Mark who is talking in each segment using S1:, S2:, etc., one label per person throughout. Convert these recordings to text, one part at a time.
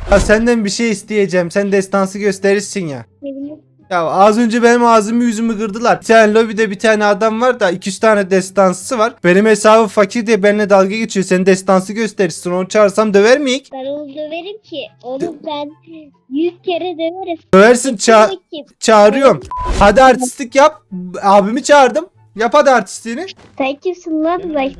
S1: Ya senden bir şey isteyeceğim. Sen destansı gösterirsin ya.
S2: Ne bileyim.
S1: Ya az önce benim ağzımı yüzümü kırdılar. Bir tane lobide bir tane adam var da 200 tane destansı var. Benim hesabım fakir diye benimle dalga geçiyor. Sen destansı gösterirsin. Onu çağırsam döver miyik?
S2: Ben onu döverim ki. Onu ben 100 kere döverim.
S1: Döversin,
S2: Peki,
S1: çağırıyorum. Hadi artistlik yap. Abimi çağırdım. Yap hadi artistliğini.
S2: sen kimsin lan?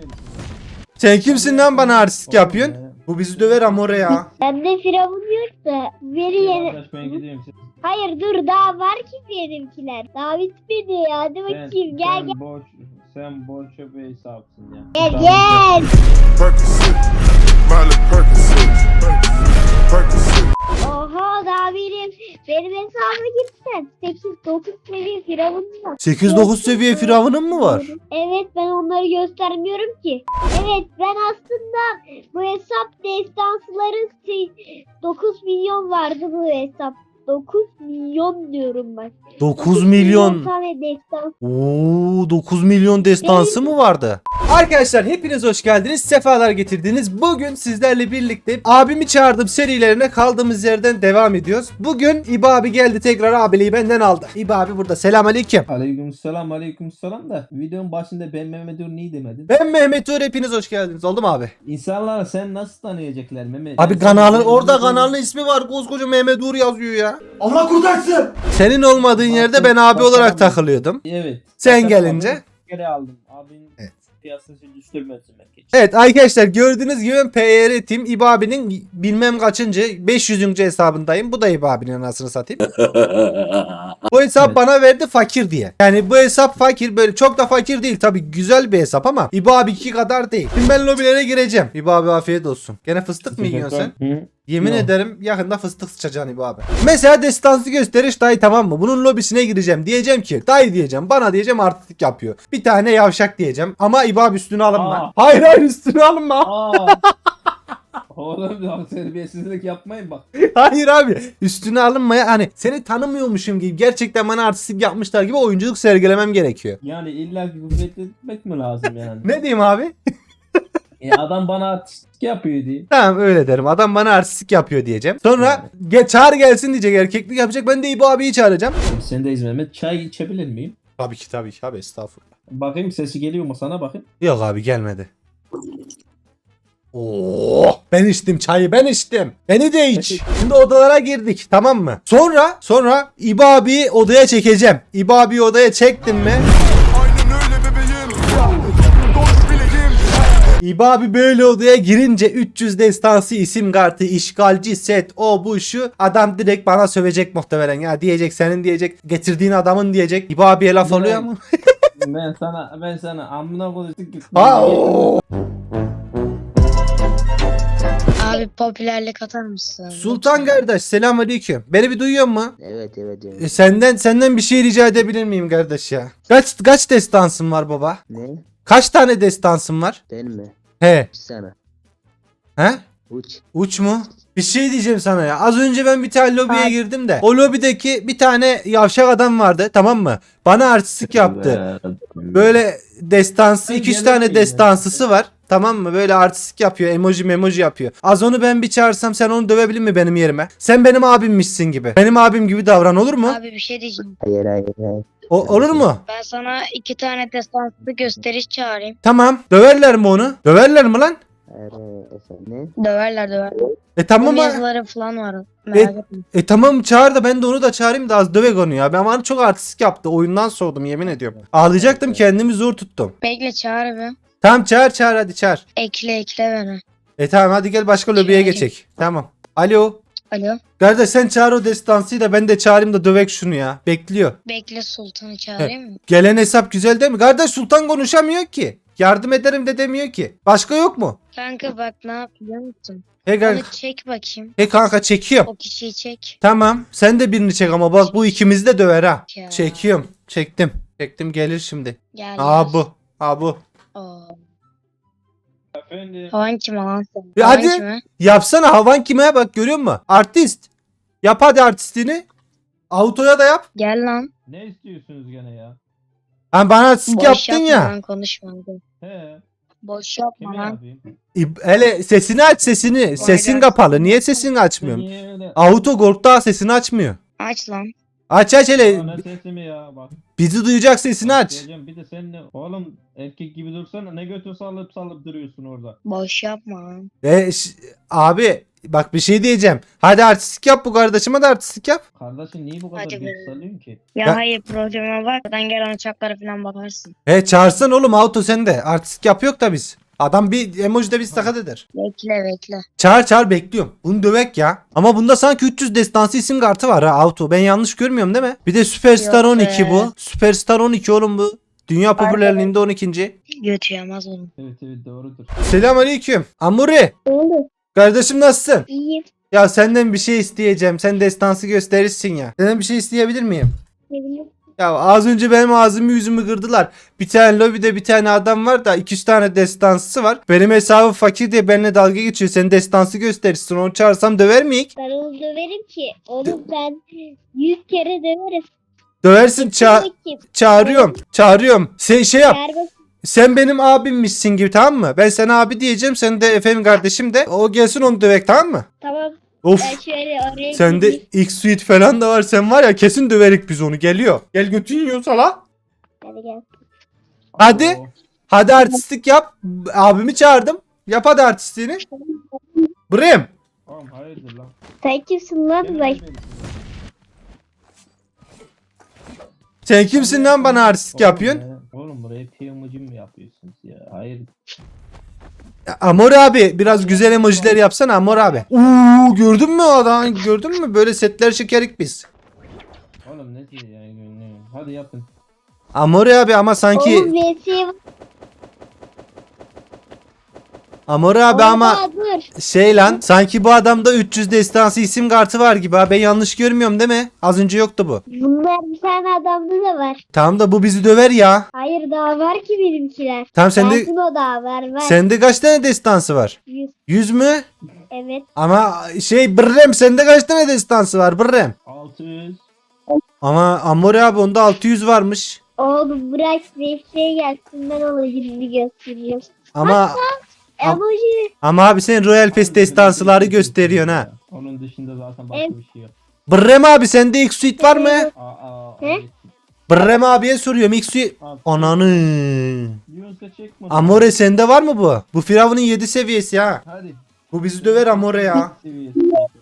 S1: Sen kimsin lan bana artistlik yapıyorsun? Bu bizi döver amore ya.
S2: Bende firavun yok da veri yeni...
S3: Arkadaş ben gidiyorum.
S2: Hayır dur daha var ki benimkiler. Daha bitmedi. Hadi bakayım gel gel.
S3: Sen boşa bir hesapsın ya.
S2: Gel gel.
S4: Percocet, Miley Percocet, Percocet.
S2: Oha daha benim hesabıma gitsen 8-9 seviye firavun var.
S1: 8-9 seviye firavunun mu var?
S2: Evet ben onları göstermiyorum ki. Evet ben aslında bu hesap destansların 9 milyon vardı bu hesap. 9 milyon diyorum bak.
S1: 9 milyon.
S2: tane destans.
S1: Oo, 9 milyon destansı mı vardı? Arkadaşlar hepiniz hoş geldiniz. Sefalar getirdiniz. Bugün sizlerle birlikte abimi çağırdım serilerine kaldığımız yerden devam ediyoruz. Bugün İbo abi geldi tekrar abiliği benden aldı. İbo abi burada. Selamünaleyküm.
S3: Aleykümselam da videonun başında ben Mehmet Uğur niye demedin?
S1: Ben Mehmet Uğur, hepiniz hoş geldiniz. Oldu mu abi?
S3: İnsanlar sen nasıl tanıyacaklar Mehmet?
S1: Abi
S3: Ben
S1: kanalın
S3: sana-
S1: orada kanalın ismi var. Koskoca Mehmet Uğur yazıyor ya.
S5: Allah kurtarsın.
S1: Senin olmadığın yerde ben abi olarak takılıyordum.
S3: Evet.
S1: Sen
S3: Fakat
S1: gelince.
S3: abim Geri aldım. Abinin
S1: Evet.
S3: piyasası düşürmesin belki.
S1: Evet arkadaşlar gördüğünüz gibi ben PR Team İbo abinin bilmem kaçıncı 500. hesabındayım. Bu da İbo abinin anasını satayım. Bu hesap
S3: Evet.
S1: bana verdi fakir diye. Yani bu hesap fakir, böyle çok da fakir değil tabi, güzel bir hesap ama İbo abi 2 kadar değil. Şimdi ben lobilere gireceğim. İbo abi afiyet olsun. Gene fıstık mı yiyorsun sen?
S3: Hı?
S1: Yemin
S3: Yok.
S1: ederim yakında fıstık sıçacaksın İbo abi. Mesela destansı gösteriş dayı, tamam mı? Bunun lobisine gireceğim. Diyeceğim ki dayı diyeceğim, bana diyeceğim artistik yapıyor. Bir tane yavşak diyeceğim ama İbo abi üstüne alınma.
S3: Aa.
S1: Hayır hayır üstüne alınma.
S3: Aa. Oğlum ya terbiyesizlik yapmayın bak.
S1: Hayır abi üstüne alınmaya, hani seni tanımıyormuşum gibi, gerçekten bana artistik yapmışlar gibi oyunculuk sergilemem gerekiyor.
S3: Yani illa ki kuvvetli etmek mi lazım yani?
S1: Ne diyeyim abi?
S3: Adam bana artistik yapıyor diye.
S1: Tamam öyle derim. Adam bana artistik yapıyor diyeceğim. Sonra çağır gelsin diyecek, erkeklik yapacak. Ben de İbo abiyi çağıracağım.
S3: Sen de Mehmet çay içebilir miyim?
S1: Tabii ki abi, estağfurullah.
S3: Bakayım sesi geliyor mu sana bakayım.
S1: Yok abi gelmedi. Oo, ben içtim çayı, ben içtim. Beni de iç. Şimdi odalara girdik, tamam mı? Sonra İbo abiyi odaya çekeceğim. İbo abiyi odaya çektim mi?
S4: Aynen öyle bebeğim. Dost bileyim.
S1: İbo abi böyle odaya girince 300 destansı isim kartı, işgalci set, o bu şu, adam direkt bana sövecek muhtemelen ya, diyecek senin, diyecek getirdiğin adamın, diyecek. İbo abiye laf oluyor mu?
S3: ben sana amına koyduk git.
S6: Abi popülerlik atar mısın?
S1: Sultan kardeş selamünaleyküm. Beni bir duyuyor mu?
S5: Evet.
S1: Senden bir şey rica edebilir miyim kardeş ya? Kaç destansın var baba?
S5: Ne?
S1: Kaç tane destansın var?
S5: Ben mi?
S1: He.
S5: Sana.
S1: He?
S5: Uç.
S1: Uç mu? Bir şey diyeceğim sana ya. Az önce ben bir tane lobiye
S2: Ay.
S1: girdim de. O lobideki bir tane yavşak adam vardı, tamam mı? Bana artistik yaptı. Böyle destansı,
S3: Ben
S1: 200
S3: gelelim
S1: tane
S3: yine.
S1: destansısı var. Tamam mı? Böyle artistik yapıyor. Emoji yapıyor. Az onu ben bir çağırsam sen onu dövebilir mi benim yerime? Sen benim abimmişsin gibi. Benim abim gibi davran, olur mu?
S6: Abi bir şey diyeceğim.
S5: Hayır.
S1: Olur mu?
S6: Ben sana 2 tane destanslı gösteriş çağırayım.
S1: Tamam. Döverler mi onu? Döverler mi lan?
S5: Hayır. Efendim?
S6: Döverler.
S1: Tamam
S6: Bunun
S1: ama.
S6: yazıları falan var. Merak etme.
S1: Tamam çağır da ben de onu da çağırayım da az dövek onu ya. Ben bana çok artistik yaptı. Oyundan soğudum yemin ediyorum. Ağlayacaktım, kendimi zor tuttum.
S6: Bekle çağır bir.
S1: Tamam çağır hadi çağır.
S6: Ekle beni.
S1: Tamam hadi gel başka lobiye
S6: Çağırayım.
S1: geçek. Tamam. Alo.
S6: Alo.
S1: Kardeş sen çağır o destansıyı da ben de çağırayım da dövek şunu ya. Bekliyor.
S6: Bekle Sultan'ı çağırayım mı?
S1: Gelen hesap güzel değil mi? Kardeş Sultan konuşamıyor ki. Yardım ederim de demiyor ki. Başka yok mu?
S6: Kanka bak ne yap biliyor musun?
S1: He kanka,
S6: Onu çek bakayım.
S1: kanka çekiyorum.
S6: O kişiyi çek.
S1: Tamam. Sen de birini çek ama bak bu ikimizi de döver ha.
S6: Ya.
S1: Çekiyorum. Çektim. Çektim gelir şimdi.
S6: Gel.
S1: Aa bu. Aa bu.
S6: Oo.
S3: Efendim.
S6: Havan kim lan sen?
S1: Ya
S6: Havan
S1: hadi.
S6: kime?
S1: Yapsana, havan kime bak, görüyor musun? Artist. Yap hadi artistliğini. Autoya da yap.
S6: Gel lan.
S3: Ne istiyorsunuz gene ya?
S1: Hani bana artistlik
S6: Boş
S1: yaptın
S6: yapma
S1: ya.
S6: lan konuşma. Hadi.
S3: He.
S6: Boş
S3: Kim
S6: yapma lan.
S3: yapayım?
S1: Hele sesini aç sesini. Sesin kapalı. Niye sesini açmıyorsun?
S3: Niye öyle?
S1: Auto Gork'ta sesini açmıyor.
S6: Aç lan.
S1: Aç
S3: Aa,
S1: hele.
S3: ne sesimi ya bak.
S1: Bizi duyacak sesini aç.
S3: Diyeceğim, bir de sen de oğlum erkek gibi dursana, ne götür sallıp duruyorsun orada.
S6: Boş yapma lan.
S1: Abi bak bir şey diyeceğim. Hadi artistik yap, bu kardeşime de artistik yap.
S3: Kardeşin niye bu kadar
S6: Hadi be.
S3: geç salıyorsun ki?
S6: Ya
S1: Ben-
S6: hayır programa bak. Buradan gelen uçaklara falan bakarsın.
S1: Çağırsan oğlum Auto sen de. Artistik yapıyor da biz. Adam bir emoji de biz sakat eder.
S6: Bekle.
S1: Çağır bekliyorum. Bunu dövek ya. Ama bunda sanki 300 destansı isim kartı var ha Auto. Ben yanlış görmüyorum değil mi? Bir de Superstar
S6: Yok be.
S1: 12 bu. Superstar 12 oğlum bu. Dünya popülerliğinde 12.
S6: Götü yamaz oğlum.
S3: Evet doğrudur.
S1: Selamünaleyküm. Amuri.
S2: Oğlum
S1: Kardeşim nasılsın?
S2: iyiyim.
S1: Ya senden bir şey isteyeceğim. Sen destansı gösterirsin ya. Senden bir şey isteyebilir miyim?
S2: Sevinirim.
S1: Ya az önce benim ağzımı yüzümü kırdılar. Bir tane lobide bir tane adam var da 200 tane destansı var. Benim hesabım fakir diye benimle dalga geçiyor. Sen destansı gösterirsin. Onu çağırsam döver miyik?
S2: Ben onu döverim ki. Onu ben 100 kere döverim.
S1: Döversin
S2: Kim?
S1: çağırıyorum. Sen şey yap.
S2: Serbest.
S1: Sen benim abimmişsin gibi tamam mı? Ben sana abi diyeceğim. Sen de efendim kardeşim de. O gelsin onu dövek tamam mı?
S2: Tamam.
S1: Of.
S2: Ben şöyle oraya
S1: Sende
S2: gideyim.
S1: X-Suite falan da var. Sen var ya kesin döverik biz onu. Geliyor. Gel götün yiyorsa la.
S2: Hadi gel.
S1: Hadi.
S3: Oo,
S1: Hadi artistlik yap. Abimi çağırdım. Yap hadi artistliğini. Brem.
S3: oğlum hayırdır lan.
S2: Sen kimsin lan?
S3: Gel
S2: Bak.
S3: benim.
S1: Sen kimsin lan bana artistlik yapıyorsun?
S3: Oğlum buraya PM'cim mi yapıyorsunuz ya? Hayır.
S1: Amor abi biraz güzel emojiler yapsana Amor abi. Uuu gördün mü adam? Gördün mü? Böyle setler çekerik biz.
S3: Oğlum ne diyor yani? Hadi yapın.
S1: Amor abi ama sanki
S2: Oğlum VS'ye
S1: Amor abi ama
S2: dur.
S1: şey lan sanki bu adamda 300 destansı isim kartı var gibi ha. Ben yanlış görmüyorum değil mi? Az önce yoktu bu.
S2: Bunlar bir tane adamda da var.
S1: Tamam da bu bizi döver ya.
S2: Hayır daha var ki benimkiler.
S1: Tamam sende
S2: Belki o daha var.
S1: sende kaç tane destansı var?
S2: 100.
S1: 100 mü?
S2: Evet.
S1: Ama şey Brrem sende kaç tane destansı var Brrem?
S3: 600.
S1: Ama Amor abi onda 600 varmış.
S2: Oğlum bırak VS'ye gelsin ben ona gününü göstereceğim.
S1: Ama
S2: Emoji.
S1: ama abi sen Royal Pass destansıları gösteriyorsun ha.
S3: Onun dışında zaten başka
S2: Evet.
S3: bir şey yok.
S1: Brrem abi sende X-Suite var mı?
S2: He?
S3: Evet.
S1: Brrem abiye soruyorum X-Suite.
S3: Al.
S1: Ananı.
S3: Yunus'a çekme.
S1: Amore sende var mı bu? Bu Firavun'un 7 seviyesi ha.
S3: Hadi.
S1: Bu bizi döver Amore ya.
S3: Seviyesi.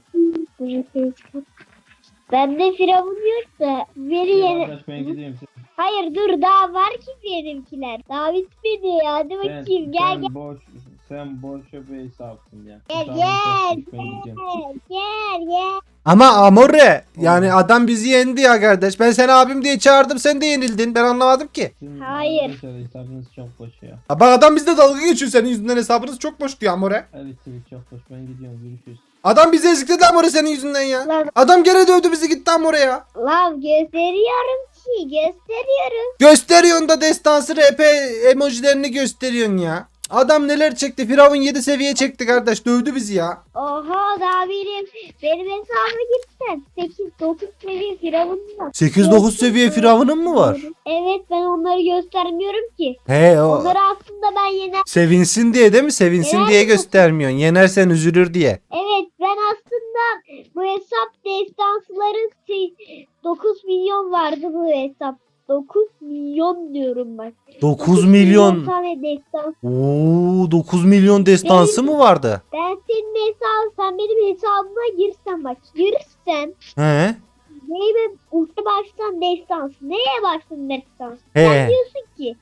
S2: Bende firavun yok da veri
S3: Ya
S2: yeni.
S3: arkadaş ben gideyim.
S2: Hayır dur daha var ki benimkiler. Daha bitmedi ya. Hadi bakayım gel gel.
S3: Sen boş bir hesapsın ya.
S2: Gel
S3: Tamam,
S2: gel.
S3: ben gideceğim.
S2: Gel.
S1: Ama Amore yani adam bizi yendi ya kardeş. Ben seni abim diye çağırdım sen de yenildin. Ben anlamadım ki.
S2: Hayır.
S3: Arkadaşlar hesabınız çok boş ya.
S1: Ha, bak adam bizde dalga geçiyor senin yüzünden hesabınız çok boş diyor Amore.
S3: Evet çok boş. Ben gidiyorum. Görüşürüz.
S1: Adam bizi ezikledi Amore senin yüzünden ya.
S2: Lan,
S1: Adam gene dövdü bizi gitti Amore ya.
S2: lan gösteriyorum ki gösteriyorum.
S1: Gösteriyorsun da destansı RP emojilerini gösteriyorsun ya. Adam neler çekti? Firavun 7 seviye çekti kardeş. Dövdü bizi ya.
S2: Oha daha benim hesabıma girsen 8-9 seviye firavunum var.
S1: 8-9 seviye Firavun'un mu var?
S2: Evet ben onları göstermiyorum ki.
S1: He o
S2: Onları aslında ben yener.
S1: sevinsin diye değil mi? Sevinsin
S2: Yener
S1: diye
S2: mi?
S1: göstermiyorsun. Yenersen üzülür diye.
S2: Evet ben aslında bu hesap destansları 9 milyon vardı bu hesap. 9 milyon diyorum bak.
S1: 9 milyon.
S2: tane destans.
S1: Oo 9 milyon destansı mı vardı?
S2: Ben senin sen benim hesabıma girsen bak. Girsen.
S1: He.
S2: Neye ultra baştan destans. Neye baştan destans?
S1: He.
S2: Sen diyorsun ki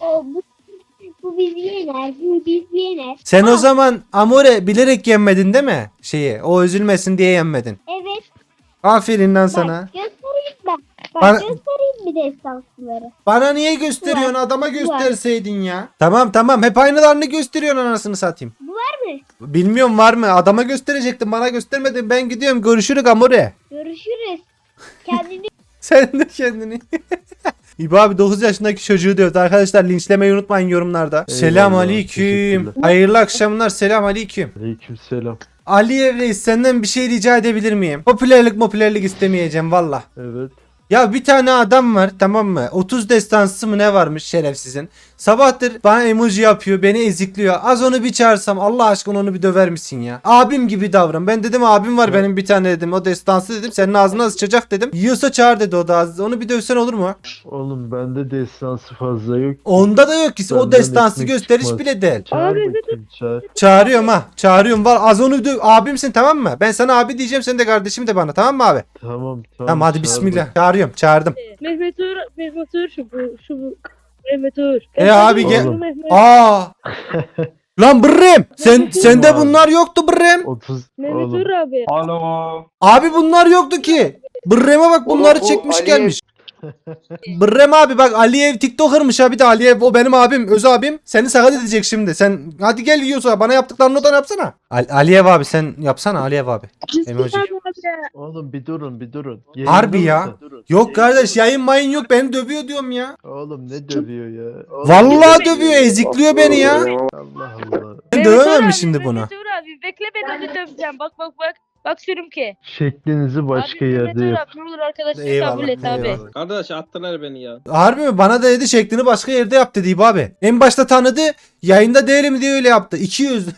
S2: bu bizi yener. Bu bizi yener.
S1: Sen o zaman Amore bilerek yenmedin değil mi? Şeyi o üzülmesin diye yenmedin.
S2: Evet.
S1: Aferin lan
S2: Bak
S1: sana.
S2: göstereyim ben. Bak
S1: Bana-
S2: göstereyim bir destansları.
S1: Bana niye gösteriyorsun?
S2: Var.
S1: Adama gösterseydin ya. Tamam hep aynılarını gösteriyorsun anasını satayım.
S2: Bu var mı?
S1: Bilmiyorum var mı? Adama gösterecektim bana göstermedin. Ben gidiyorum görüşürüz Amore.
S2: Görüşürüz. Kendini
S1: Sen de kendini. İbo abi 9 yaşındaki çocuğu diyoruz. Arkadaşlar linçlemeyi unutmayın yorumlarda. Selam aleyküm.
S5: teşekkürler.
S1: Hayırlı akşamlar. Selam aleyküm.
S5: Aleykümselam.
S1: Ali Reis senden bir şey rica edebilir miyim? Popülerlik istemeyeceğim valla.
S5: Evet.
S1: Ya bir tane adam var, tamam mı? 30 destansı mı ne varmış şerefsizin. Sabahtır bana emoji yapıyor, beni ezikliyor. Az onu bir çağırsam Allah aşkına onu bir döver misin ya? Abim gibi davran. Ben dedim abim var benim bir tane dedim. O destansı dedim. Senin ağzına sıçacak dedim. Yiyorsa çağır dedi o da. Onu bir dövsen olur mu?
S7: Oğlum bende destansı fazla yok.
S1: Onda da yok ki. O
S7: Benden
S1: destansı
S7: ekmek
S1: gösteriş
S7: çıkmaz.
S1: bile değil.
S7: Çağır bakayım çağır.
S1: Çağırıyorum ha. Çağırıyorum var. Az onu döv. Abimsin tamam mı? Ben sana abi diyeceğim. Sen de kardeşim de bana tamam mı abi?
S7: Tamam
S1: Tamam hadi
S7: çağır
S1: bismillah.
S7: bak.
S1: Çağırıyorum. Çağırdım.
S8: Mehmet Uğur şu bu. Mehmet Uğur.
S1: Abi gel.
S7: Oğlum.
S1: Aa. Lan Brem. Sende
S7: Oğlum.
S1: bunlar yoktu Brem.
S7: 30
S8: Mehmet
S7: oğlum.
S8: Uğur abi.
S3: Alo.
S1: Abi bunlar yoktu ki. Brem'e bak bunları çekmiş gelmiş. Brem abi bak Aliyev TikToker'mış abi de Aliyev o benim abim öz abim. Seni sakat edecek şimdi. Sen hadi gel yiyorsa bana yaptıklarını o da yapsana. Aliyev abi sen yapsana Aliyev abi. Emoji.
S7: Oğlum bir durun.
S1: Harbi
S7: Yayında
S1: ya.
S7: mısın?
S1: Yok kardeş yayın mayın yok beni dövüyor diyorum ya.
S7: Oğlum ne dövüyor ya? Oğlum,
S1: Vallahi dövüyor ezikliyor beni ya.
S7: Allah Allah.
S1: Ben dövemem mi şimdi bunu?
S8: Mehmet Uğur abi bekle ben onu döveceğim. Bak. Bak şurum ki.
S7: Şeklinizi başka
S8: abi,
S7: yerde
S8: Mehmet Uğur
S7: yap.
S8: abi ne olur arkadaşlar
S1: Eyvallah,
S8: kabul et abi.
S1: eyvallah.
S3: Kardeş attılar beni ya.
S1: Harbi mi? Bana da dedi şeklini başka yerde yap dedi İbo abi. En başta tanıdı. Yayında değilim diye öyle yaptı. 200.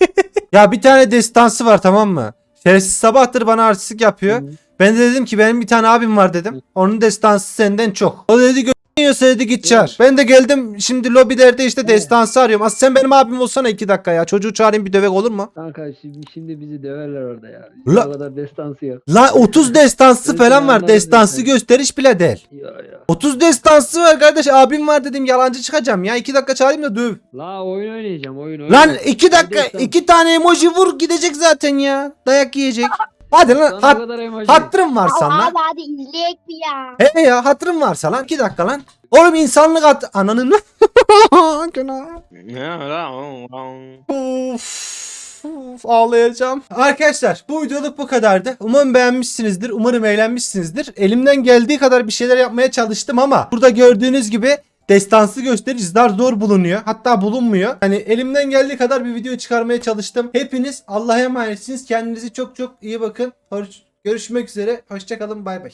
S1: Ya bir tane destansı var tamam mı? Şerefsiz sabahtır bana artistlik yapıyor. Ben de dedim ki benim bir tane abim var dedim. Onun destansı senden çok. O da dedi yiyorsa dedi git çağır. Ben de geldim şimdi lobilerde işte destansı arıyorum. As sen benim abim olsana 2 dakika ya. Çocuğu çağırayım bir dövek olur mu?
S9: Kanka şimdi bizi döverler orada ya.
S1: La-
S9: O kadar destansı yok.
S1: La 30 destansı
S9: Ben
S1: falan
S9: seni
S1: var.
S9: anladım
S1: Destansı
S9: zaten.
S1: gösteriş bile değil.
S9: Ya.
S1: 30 destansı var kardeş. Abim var dedim yalancı çıkacağım ya. 2 dakika çağırayım da döv.
S9: La oyun oynayacağım oyun.
S1: Lan 2 dakika
S9: Destan-
S1: 2 tane emoji vur gidecek zaten ya. Dayak yiyecek. Hadi lan
S9: Sana o kadar emoji.
S1: hatırım varsa lan.
S2: Abi hadi izleyek mi ya?
S1: He ya hatırım varsa lan 2 dakika lan. Oğlum insanlık ananın Günah. Of, ağlayacağım. Arkadaşlar bu videoluk bu kadardı. Umarım beğenmişsinizdir. Umarım eğlenmişsinizdir. Elimden geldiği kadar bir şeyler yapmaya çalıştım ama burada gördüğünüz gibi destansı göstericiler zor bulunuyor. Hatta bulunmuyor. Hani elimden geldiği kadar bir video çıkarmaya çalıştım. Hepiniz Allah'a emanetsiniz. Kendinize çok çok iyi bakın. Görüşmek üzere. Hoşçakalın. Bay bay.